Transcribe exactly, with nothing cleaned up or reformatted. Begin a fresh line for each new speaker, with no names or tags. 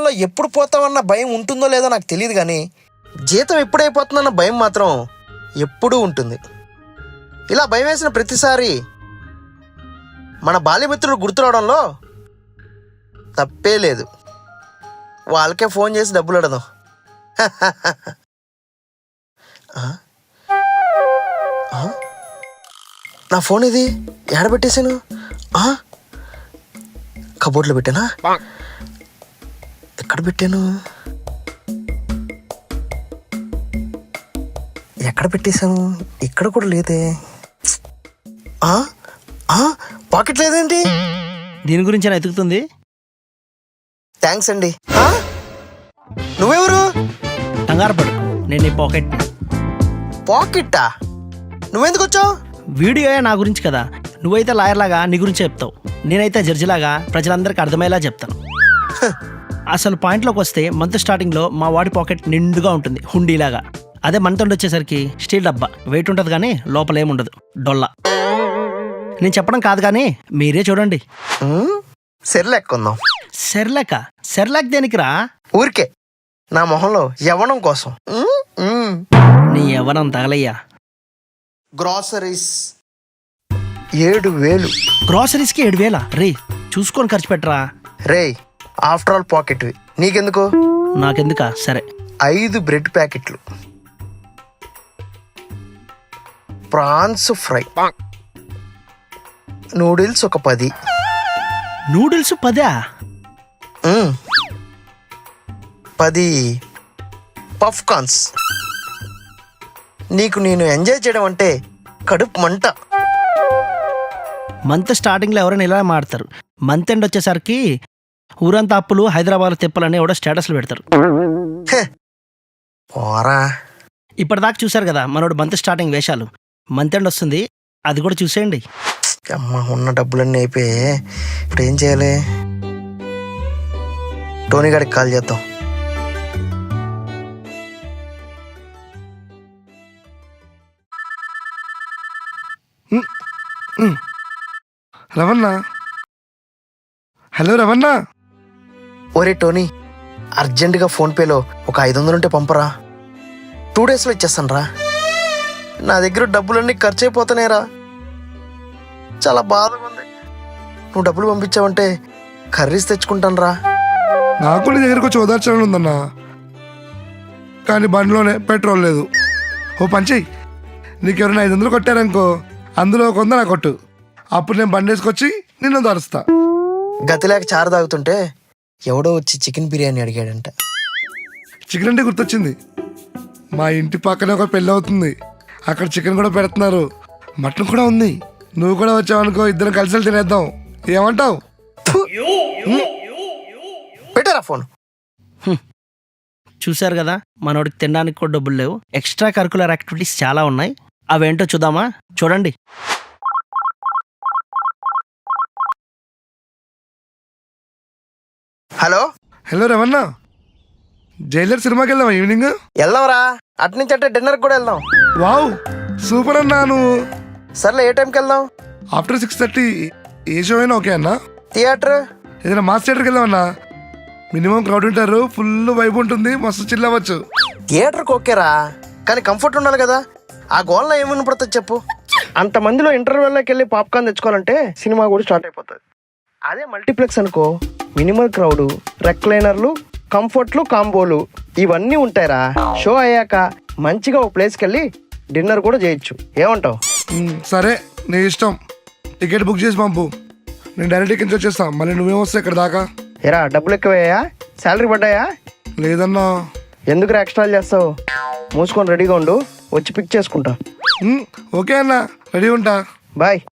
జీతంలో ఎప్పుడు పోతామన్న భయం ఉంటుందో లేదో నాకు తెలియదు, కానీ జీతం ఎప్పుడైపోతుందన్న భయం మాత్రం ఎప్పుడూ ఉంటుంది. ఇలా భయం వేసిన ప్రతిసారి మన బాల్యమిత్రులు గుర్తురావడంలో తప్పే లేదు. వాళ్ళకే ఫోన్ చేసి డబ్బులు అడదాం. నా ఫోన్ ఇది ఎక్కడ పెట్టేశాను? కబోర్డ్లో పెట్టానా? ఎక్కడ పెట్టాను? ఎక్కడ పెట్టేశాను? ఇక్కడ కూడా లేదే. పాకెట్ లేదేంటి?
దీని గురించి నేను ఎతుకుతుంది.
థ్యాంక్స్ అండి. నువ్వెవరు?
కంగారు పడు, నేను నీ పాకెట్.
పాకెట్టా? నువ్వెందుకు వచ్చావు?
వీడియో నా గురించి కదా, నువ్వైతే లాయర్ లాగా నీ గురించి చెప్తావు, నేనైతే జడ్జిలాగా ప్రజలందరికీ అర్థమయ్యేలా చెప్తాను. అసలు పాయింట్లోకి వస్తే మంత్ స్టార్టింగ్లో మా వాడి పాకెట్ నిండుగా ఉంటుంది, హుండీలాగా. అదే మంత్ ఎండ్ వచ్చేసరికి స్టీల్ డబ్బా, వెయిట్ ఉంటుంది కానీ లోపల ఏముండదు, డొల్లా. నేను చెప్పడం కాదు కానీ మీరే చూడండి.
సెర్లాక్ కొందాం.
సెర్లాక? సెర్లాక్ దేనికిరా?
ఊరికే నా మొహంలో యవ్వనం కోసం.
నీ యవ్వనం తగలయ్యా.
గ్రాసరీస్ ఏడు వేలు.
గ్రాసరీస్కి ఏడు వేల? రే చూసుకొని ఖర్చు పెట్టరా.
రే ఆఫ్టర్ ఆల్ పాకెట్, నీకెందుకు?
నాకెందుకా? సరే.
ఐదు బ్రెడ్ ప్యాకెట్లు, ప్రాన్స్ ఫ్రై, నూడిల్స్ ఒక పది.
నూడిల్స్ పదా?
పది పఫ్ కార్న్స్. నీకు నేను ఎంజాయ్ చేయడం అంటే కడుపు మంట.
మంత్ స్టార్టింగ్లో ఎవరైనా ఇలా మాడతారు, మంత్ ఎండ్ వచ్చేసరికి ఊరంతా అప్పులు, హైదరాబాద్ తిప్పలని ఎవడో స్టేటస్లు పెడతారు. ఇప్పటిదాకా చూశారు కదా మనోడు మంత్ స్టార్టింగ్ వేషాలు. మంత్ ఎండ్ వస్తుంది, అది కూడా చూసేయండి.
అమ్మ, ఉన్న డబ్బులన్నీ అయిపోయి ఇప్పుడు ఏం చేయాలి? టోనీ గారికి కాల్ చేద్దాం.
రవణ, హలో రవణ.
ఒరే టోనీ, అర్జెంటుగా ఫోన్పేలో ఒక ఐదు వందలు ఉంటే పంపరా. టూ డేస్లో ఇచ్చేస్తాను రా. నా దగ్గర డబ్బులన్నీ ఖర్చు అయిపోతున్నాయిరా, చాలా బాధగా ఉంది. నువ్వు డబ్బులు పంపించావంటే కర్రీస్ తెచ్చుకుంటాను రా.
నాకు నీ దగ్గరకు వచ్చి ఓదార్చాలని ఉందన్నా, కానీ బండిలోనే పెట్రోల్ లేదు. ఓ పంచి, నీకెవరైనా ఐదు వందలు కొట్టారనుకో, అందులో ఒక వంద నా కొట్టు. అప్పుడు నేను బండి వేసుకొచ్చి నిన్ను దరుస్తా.
గతిలేక చారు తాగుతుంటే ఎవడో వచ్చి చికెన్ బిర్యానీ అడిగాడంట.
చికెన్ అంటే గుర్తొచ్చింది, మా ఇంటి పక్కనే ఒక పెళ్ళి అవుతుంది, అక్కడ చికెన్ కూడా పెడుతున్నారు, మటన్ కూడా ఉంది. నువ్వు కూడా వచ్చావనుకో, ఇద్దరం కలిసి తినేద్దాం. ఏమంటావు?
పెట్టారా ఫోన్?
చూశారు కదా, మనోడికి తినడానికి కూడా డబ్బులు లేవు. ఎక్స్ట్రా కరికులర్ యాక్టివిటీస్ చాలా ఉన్నాయి, అవేంటో చూద్దామా? చూడండి.
హలో
హలో రవణ, జైలర్ సినిమాకి వెళ్దామా ఈవినింగ్?
వెళ్దాంరా, అటు నుంచి అంటే డిన్నర్ కూడా వెళ్దాం.
వావ్ సూపర్ అన్నా. నువ్వు
సర్లే, ఏ టైంకి వెళ్దాం?
ఆఫ్టర్ సిక్స్ థర్టీ ఏ షో అయినా ఓకే అన్నా.
థియేటర్
ఏదైనా మాస్ థియేటర్కి వెళ్దామన్నా, మినిమం క్రౌడ్ ఉంటారు, ఫుల్ వైబ్ ఉంటుంది, మస్తు చిల్ అవ్వచ్చు.
థియేటర్కి ఓకేరా, కానీ కంఫర్ట్ ఉండాలి కదా. ఆ గోల్లో ఏమని పడుతుంది చెప్పు? అంతమందిలో ఇంటర్వెల్లోకి వెళ్ళి పాప్కార్న్ తెచ్చుకోవాలంటే సినిమా కూడా స్టార్ట్ అయిపోతుంది. అదే మల్టీప్లెక్స్ అనుకో, మినిమల్ క్రౌడ్, రెక్లైనర్లు, కంఫర్ట్లు, కాంబోలు ఇవన్నీ ఉంటాయిరా. షో అయ్యాక మంచిగా ఓ ప్లేస్కి వెళ్ళి డిన్నర్ కూడా చేయొచ్చు. ఏమంటావు?
సరే నీ ఇష్టం. టికెట్ బుక్ చేసి పంపు, నేను డైరెక్ట్ ఇక్కడి నుంచి వచ్చేస్తాను. మళ్ళీ నువ్వేం వస్తావు ఇక్కడ దాకా?
ఎరా డబ్బులు ఎక్కువయ్యా? శాలరీ పడ్డాయా?
లేదన్నా.
ఎందుకు ఎక్స్ట్రా చేస్తావు? మూసుకొని రెడీగా ఉండు, వచ్చి పిక్ చేసుకుంటా.
ఓకే అన్నా, రెడీ ఉంటా.
బాయ్.